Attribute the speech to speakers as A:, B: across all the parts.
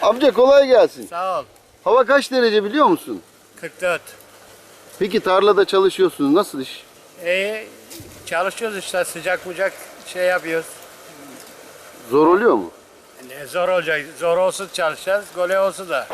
A: Amca kolay gelsin.
B: Sağ ol.
A: Hava kaç derece biliyor musun?
B: 44.
A: Peki tarlada çalışıyorsunuz. Nasıl iş?
B: Çalışıyoruz işte sıcak bucak şey yapıyoruz.
A: Zor oluyor mu?
B: Ne zor olacak. Zor olsun çalışacağız. Gole olsun da.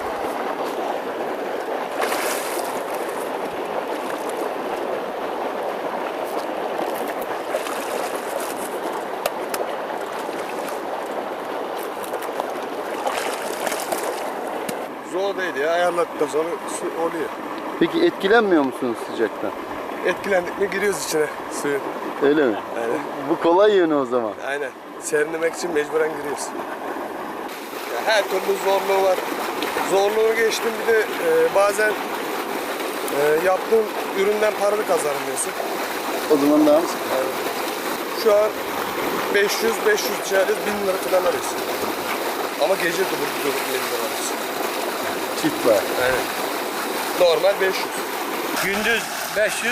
C: Zor değil ya, ayarladıktan sonra su oluyor.
A: Peki etkilenmiyor musunuz sıcaktan?
C: Etkilendik mi giriyoruz içine suyun.
A: Öyle mi?
C: Aynen.
A: Bu kolay yönü o zaman.
C: Aynen. Serinlemek için mecburen giriyoruz. Ya her türlü zorluğu var. Zorluğu geçtim bir de bazen yaptığın üründen paranı kazanamıyorsun.
A: O zaman daha mı?
C: Yani şu an 500 içeriz 1000 lira falan arıyorsun. Ama gece de burada 1000 lira arıyorsun.
A: Çift var.
C: Aynen. Normal 500.
B: Gündüz 500,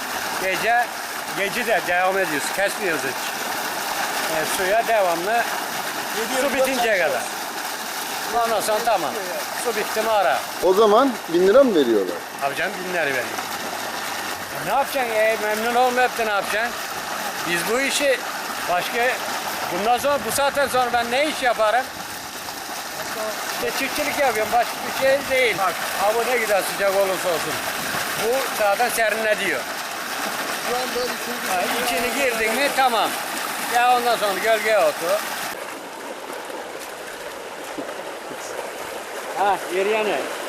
B: gece de devam ediyoruz. Kesmiyoruz hiç. Suya devamlı. Su bitinceye kadar. Ondan sonra tamam. Su bitti mi ara.
A: O zaman 1000 lira mı veriyorlar?
B: Abi canım 1000 lira veriyor. Ne yapacaksın? Memnun olmayıp da ne yapacaksın? Biz bu işi bundan sonra bu saatten sonra ben ne iş yaparım? İşte çiftçilik yapıyorum. Başka bir şey değil. Bak hava ne kadar sıcak olursa olsun. Bu zaten serinletiyor. İçini girdin mi tamam. Ya ondan sonra gölgeye otur. Ha, yeri yanıyor.